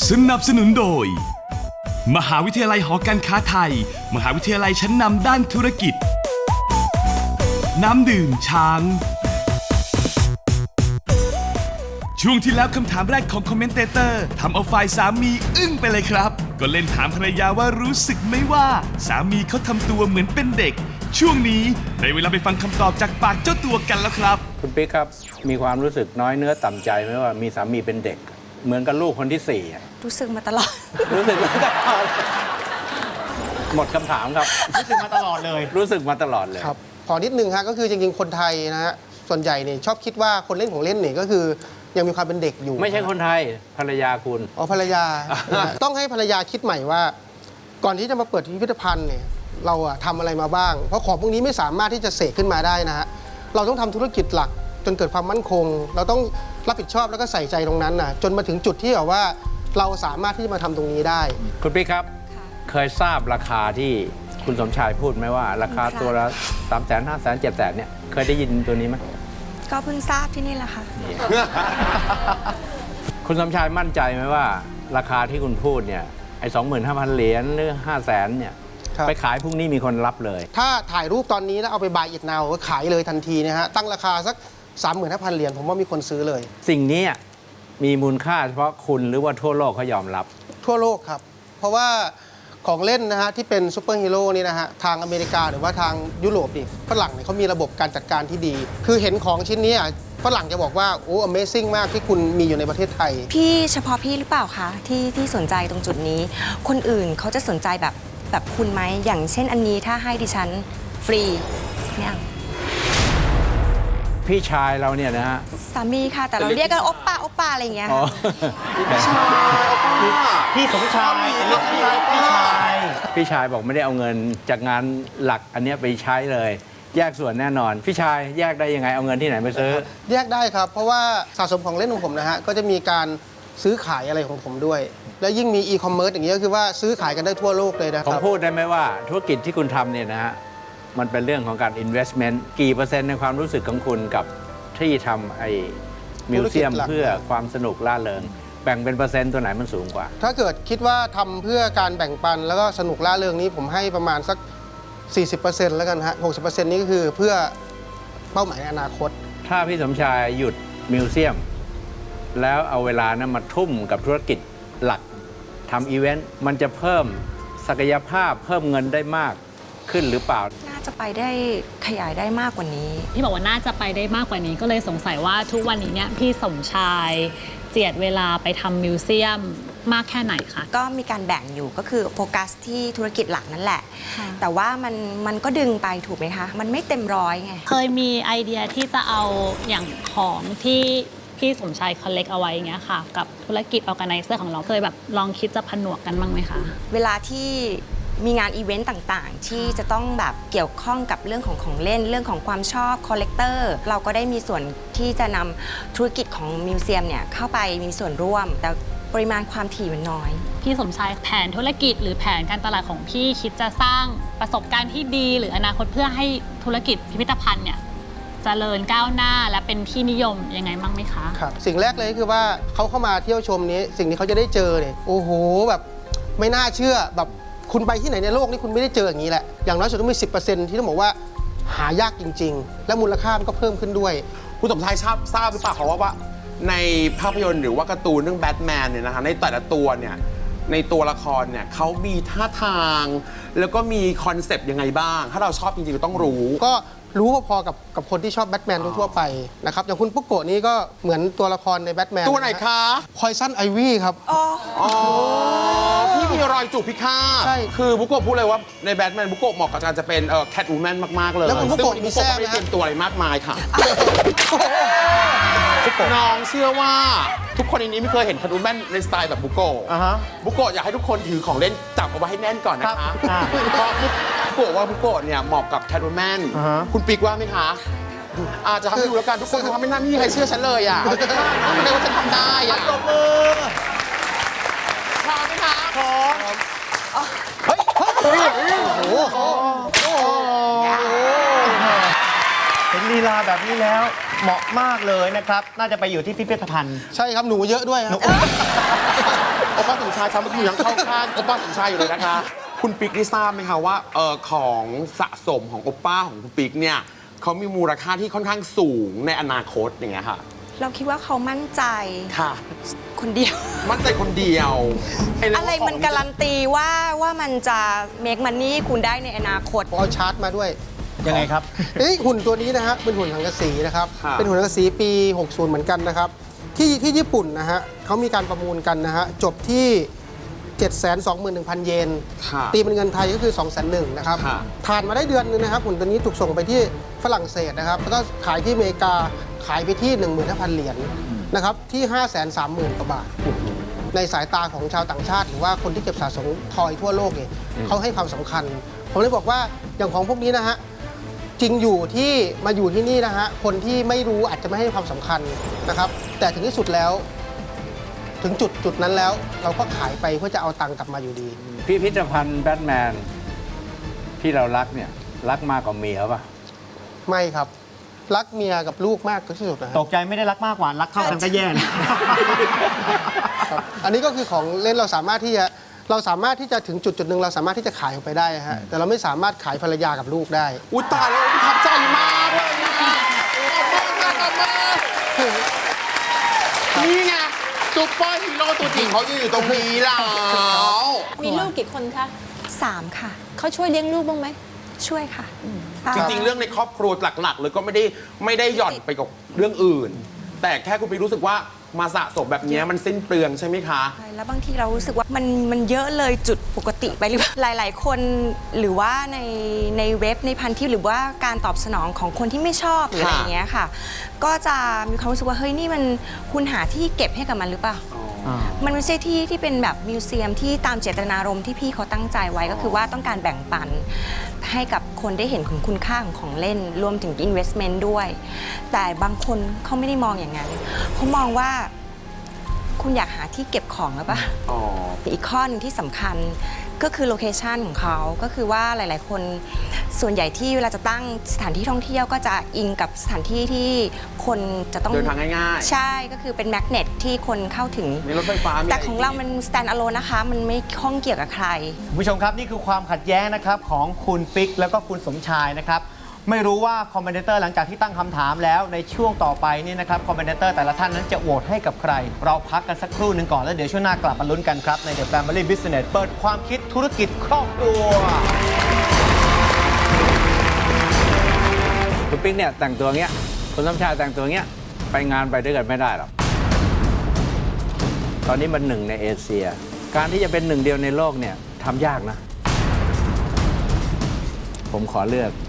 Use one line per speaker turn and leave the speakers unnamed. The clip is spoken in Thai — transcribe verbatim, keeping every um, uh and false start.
สนับสนุนโดยมหาวิทยาลัยหอการค้าไทยมหาวิทยาลัยชั้นนำด้านธุรกิจน้ำดื่มช้างช่วงที่แล้วคำถามแรกของคอมเมนเตเตอร์ทำเอาฝ่ายสามีอึ้งไปเลยครับก็เล่นถามภรรยาว่ารู้สึกไหมว่าสามีเขาทำตัวเหมือนเป็นเด็กช่วงนี้ได้เวลาไปฟังคำตอบจากปากเจ้าตัวกันแล้วครับ
คุณปิ๊กครับมีความรู้สึกน้อยเนื้อต่ำใจไหมว่ามีสามีเป็นเด็กเหมือนกับลูกคนที่สี่
รู้สึกมาตลอด
รู้สึกมาตลอดหมดคำถามครับ
รู้สึกมาตลอดเลย
รู้สึกมาตลอดเลย
ครับขอนิดนึงฮะก็คือจริงๆคนไทยนะฮะส่วนใหญ่เนี่ยชอบคิดว่าคนเล่นของเล่นเนี่ยก็คือยังมีความเป็นเด็กอยู่
ไม่ใช่คนไทยภรรยาคุณ
อ๋อภรรยา ต้องให้ภรรยาคิดใหม่ว่าก่อนที่จะมาเปิดพิพิธภัณฑ์เนี่ยเราอะทำอะไรมาบ้างเพราะของพวกนี้ไม่สามารถที่จะเสกขึ้นมาได้นะฮะเราต้องทำธุรกิจหลักจนเกิดความมั่นคงเราต้องรับผิดชอบแล้วก็ใส่ใจตรงนั้นนะจนมาถึงจุดที่แบบว่าเราสามารถที่จะมาทำตรงนี้ได้
คุณปิ๊กครับเคยทราบราคาที่คุณสมชายพูดไหมว่าราคาตัวละสามแสนห้าแสนเจ็ดแสนเนี่ยเคยได้ยินตัวนี้ไหม
ก็เพิ่งทราบที่นี่แหละค่ะ
คุณสมชายมั่นใจไหมว่าราคาที่คุณพูดเนี่ยไอ้สองหมื่นห้าพันเหรียญหรือห้าแสนเนี่ยไปขายพรุ่งนี้มีคนรับเลย
ถ้าถ่ายรูปตอนนี้แล้วเอาไปบายอิทนาวก็ขายเลยทันทีนะฮะตั้งราคาสัก สามหมื่นห้าพัน เหรียญผมว่ามีคนซื้อเลย
สิ่งนี้มีมูลค่าเฉพาะคุณหรือว่าทั่วโลกเขายอมรับ
ทั่วโลกครับเพราะว่าของเล่นนะฮะที่เป็นซูเปอร์ฮีโร่นี่นะฮะทางอเมริกาหรือว่าทางยุโรปนี่ฝรั่งเนี่ยเขามีระบบการจัดการที่ดีคือเห็นของชิ้นนี้ฝรั่งจะบอกว่าโอ้ Amazing มากที่คุณมีอยู่ในประเทศไทย
พี่เฉพาะพี่หรือเปล่าคะที่ที่สนใจตรงจุดนี้คนอื่นเขาจะสนใจแบบแบบคุณไหมอย่างเช่นอันนี้ถ้าให้ดิฉันฟรีเนี่ย
พี่ชายเราเนี่ยนะฮะ
สามีค่ะแต่เราเรียกกันโอปป้าโอปป้าอะไรอย่างเงี้ย
พี่ชายพี่สมชายพี่ชายพี่ชาย
พี่ชายบอกไม่ได้เอาเงินจากงานหลักอันนี้ไปใช้เลยแยกส่วนแน่นอนพี่ชายแยกได้ยังไงเอาเงินที่ไหนไปซื้อ
แยกได้ครับเพราะว่าสะสมของเล่นของผมนะฮะก็จะมีการซื้อขายอะไรของผมด้วยแล้วยิ่งมีอีคอมเมิร์ซอย่างนี้ก็คือว่าซื้อขายกันได้ทั่วโลกเลยนะครับ
ผมพูดได้ไหมว่าธุรกิจที่คุณทำเนี่ยนะฮะมันเป็นเรื่องของการ investment กี่เปอร์เซ็นต์ในความรู้สึกของคุณกับที่ทำไอ้มิวเซียมเพื่อความสนุกล่าเริงแบ่งเป็นเปอร์เซ็นต์ตัวไหนมันสูงกว่า
ถ้าเกิดคิดว่าทำเพื่อการแบ่งปันแล้วก็สนุกล่าเริงนี้ผมให้ประมาณสัก สี่สิบเปอร์เซ็นต์ แล้วกันฮะ หกสิบเปอร์เซ็นต์ นี้ก็คือเพื่อเป้าหมายในอนาคต
ถ้าพี่สมชายหยุดมิวเซียมแล้วเอาเวลานั้นมาทุ่มกับธุรกิจหลักทำอีเวนต์มันจะเพิ่มศักยภาพเพิ่มเงินได้มากขึ้นหรือเปล่า
น่าจะไปได้ขยายได้มากกว่านี้
พี่บอกว่าน่าจะไปได้มากกว่านี้ก็เลยสงสัยว่าทุกวันนี้เนี่ยพี่สมชายเจียดเวลาไปทำมิวเซียมมากแค่ไหนคะ
ก็มีการแบ่งอยู่ก็คือโฟกัสที่ธุรกิจหลักนั่นแหละแต่ว่ามันมันก็ดึงไปถูกไหมคะมันไม่เต็มร้อยไง
เคยมีไอเดียที่จะเอาอย่างของที่พี่สมชายคอลเลกเอาไว้อย่างเงี้ยค่ะกับธุรกิจออร์แกไนเซอร์ของเราเคยแบบลองคิดจะผนวกกันบ้างไหมคะ
เวลาที่มีงานอีเวนต์ต่างๆที่จะต้องแบบเกี่ยวข้องกับเรื่องของของเล่นเรื่องของความชอบคอลเลกเตอร์เราก็ได้มีส่วนที่จะนำธุรกิจของมิวเซียมเนี่ยเข้าไปมีส่วนร่วมแต่ปริมาณความถี่มันน้อย
พี่สมชายแผนธุรกิจหรือแผนการตลาดของพี่คิดจะสร้างประสบการณ์ที่ดีหรืออนาคตเพื่อให้ธุรกิจพิพิธภัณฑ์เนี่ยเจริญก้าวหน้าและเป็นที่นิยมยังไงบ้างไหมคะ
ครับสิ่งแรกเลยคือว่าเขาเข้ามาเที่ยวชมนี้สิ่งที่เขาจะได้เจอเนี่ยโอ้โหแบบไม่น่าเชื่อแบบคุณไปที่ไหนในโลกนี่คุณไม่ได้เจออย่างนี้แหละอย่างน้อยสุดต้องมี สิบเปอร์เซ็นต์ ที่ต้องบอกว่าหายากจริงๆและมูลค่ามันก็เพิ่มขึ้นด้วย
คุณสมชายทราบทราบหรือเปล่าคะว่าว่าในภาพยนตร์หรือว่าการ์ตูนเรื่องแบทแมนเนี่ยนะคะในแต่ละตัวเนี่ยในตัวละครเนี่ยเขามีท่าทางแล้วก็มีคอนเซปต์ยังไงบ้างถ้าเราชอบจริงๆก็ต้องรู้
ก็รู้พอๆกับกับคนที่ชอบแบทแมนทั่วไปนะครับอย่างคุณปุ๊กโกะนี่ก็เหมือนตัวละครในแบทแมน
ตัวไหนคะ
พอยซันไอวี่ครับ
อ๋อ
ที่มีรอยจูบพิฆาตใช่คือบุโกะพูดเลยว่าในแบทแมนบุโกะเหมาะกับการจะเป็นแคทวูแมนมากๆเลย
แล้วคุณบุโกะมีแซ่บ
ไม่เตรียมตัวอะไรมากมายค่ะน้องเชื่อว่าทุกคนในนี้ไม่เคยเห็นแคทวูแมนในสไตล์แบบบุโกะบุโกะอยากให้ทุกคนถือของเล่นจับเอาไว้ให้แน่นก่อนนะคะเพราะบุโกะว่าบุโกะเนี่ยเหมาะกับแคทวูแมนคุณปิ๊กว่าไหมคะอาจจะทำให้ดูแล้วกันทุกคนทำไม่น่าไม่มีใครเชื่อฉันเลยอ่ะไม่ได้ว่าฉันทำได้อ่ะตบมือพร้อมไหมคะพร้อมเฮ้ยโอ้โห
เห็นลีลาแบบนี้แล้วเหมาะมากเลยนะครับน่าจะไปอยู่ที่พิพิธภัณฑ์
ใช่ครับหนูเยอะด้วยครับ
โอป้าสมชายครับเมื่อกี้ยังเข้าข้างโอป้าสมชายอยู่เลยนะคะ คุณปิ๊กได้ทราบไหมคะว่าเออของสะสมของโอป้าของคุณปิ๊กเนี่ยเขามีมูลค่าที่ค่อนข้างสูงในอนาคตอย่างเงี้ยค่ะ
เราคิดว่าเขามั่นใจ
ค่ะ
คนเดียว
มั่นใจคนเดียวเรื่อง
อะไรมัน
ขง
การันตีว่าว่ามันจะ make money คุณได้ในอนาคต
ผมเอาชาร์ตมาด้วย
ยังไงครับ
เอ้ยหุ่นตัวนี้นะฮะเป็นหุ่นสังกะสีนะครับ
ค่ะ
เป็นหุ่นสังกะสีปี หกสิบ เหมือนกันนะครับ ที่ที่ญี่ปุ่นนะฮะเขามีการประมูลกันนะฮะจบที่ เจ็ดแสนสองหมื่นหนึ่งพัน เยน
ค่ะ
ตีเป็นเงินไทยก็คือ สองแสนหนึ่งนะครับ
ค่ะ
ผ่านมาได้เดือนนึงนะครับหุ่นตัวนี้ถูกส่งไปที่ฝรั่งเศสนะครับแล้วก็ขายที่อเมริกาขายไปที่ หนึ่งหมื่นห้าพัน เหรียญนะครับที่ ห้าแสนสามหมื่น กว่าบาท ในสายตาของชาวต่างชาติ หรือว่าคนที่เก็บสะสมทอยทั่วโลกเนี่ยเขาให้ความสำคัญ ผมเลยบอกว่าอย่างของพวกนี้นะฮะจริงอยู่ที่มาอยู่ที่นี่นะฮะคนที่ไม่รู้อาจจะไม่ให้ความสำคัญนะครับ แต่ถึงที่สุดแล้ว ถึงจุดจุดนั้นแล้ว เราก็ขายไปเพื่อจะเอาตังค์กลับมาอยู่ดี
พิพิธภัณฑ์แบทแมนที่เรารักเนี่ยรักมากกว่าเมียป่ะ
ไม่ครับ รักเมียกับลูกมากที่สุดนะฮะ
ตกใจไม่ได้รักมากกว่า รักเท่ากันก็แย่นะ
ครับอันนี้ก็คือของเล่นเราสามารถที่จะเราสามารถที่จะถึงจุดจุดหนึ่งเราสามารถที่จะขายออกไปได้ฮะแต่เราไม่สามารถขายภรรยากับลูกได้
อุ้ยตายแล้วประทับใจมากเลยนะคะโอ้มากมากมากนี่ไงซุปเปอร์ฮีโร่ตัวจริงเขายืนอยู่ตรงนี้แล้ว
มีลูกกี่คนคะ
สามค่ะ
เขาช่วยเลี้ยงลูกบ้างไหม
ช่วยค่ะ
จริงๆ เรื่องในครอบครัวหลักๆเลยก็ไม่ได้ไม่ได้หย่อนไปกับเรื่องอื่น แต่แค่คุณปิ๊กรู้สึกว่ามาสะสมแบบนี้มันสิ้นเปลืองใช่ไหมคะ
ใช่แล้วบางทีเรารู้สึกว่ามันมันเยอะเลยจุดปกติไปหรือเปล่าหลาย ๆ คนหรือว่าในในเว็บในพันทิปหรือว่าการตอบสนองของคนที่ไม่ชอบหรืออะไรอย่างเงี้ยค่ะ ก็จะมีความรู้สึกว่าเฮ้ยนี่มันคุณหาที่เก็บให้กับมันหรือเปล่า มันไม่ใช่ที่ที่เป็นแบบมิวเซียมที่ตามเจตนารมณ์ที่พี่เขาตั้งใจไว้ก็คือว่าต้องการแบ่งปัน ให้กับคนได้เห็นคุณคุณค่าของของเล่นรวมถึง investment ด้วย แต่บางคนเขาไม่ได้มองอย่างนั้นเขามองว่าคุณอยากหาที่เก็บของหรือเปล่า
อ๋อ
อีกข้อหนึงที่สำคัญก็คือโลเคชันของเขาก็คือว่าหลาย ๆ คนส่วนใหญ่ที่เวลาจะตั้งสถานที่ท่องเที่ยวก็จะอิงกับสถานที่ที่คนจะต้อง
เดินทางง่ายๆ
ใช่ก็คือเป็นแมกเนตที่คนเข้าถึง
มีรถไฟฟ้ามี
แต่ของเรามัน stand alone นะคะ มันไม่ข้องเกี่ยวกับใคร
คุณผู้ชมครับ นี่คือความขัดแย้งนะครับของคุณปิ๊กแล้วก็คุณสมชายนะครับ ไม่รู้ว่าคอมเมนเตอร์หลังจากที่ตั้งคำถามแล้วในช่วงต่อไปนี่นะครับคอมเมนเตอร์แต่ละท่านนั้นจะโหวตให้กับใคร เราพักกันสักครู่หนึ่งก่อนแล้วเดี๋ยวช่วงหน้ากลับมาลุ้นกันครับใน The Family Business เปิดความคิดธุรกิจครอบครัว
คุณปิ๊กเนี่ยแต่งตัวเงี้ยคุณสมชายแต่งตัวเงี้ยไปงานไปด้วยกันไม่ได้หรอกตอนนี้มันหนึ่งในเอเชีย การที่จะเป็นหนึ่งเดียวในโลกเนี่ยทำยากนะ ผมขอเลือก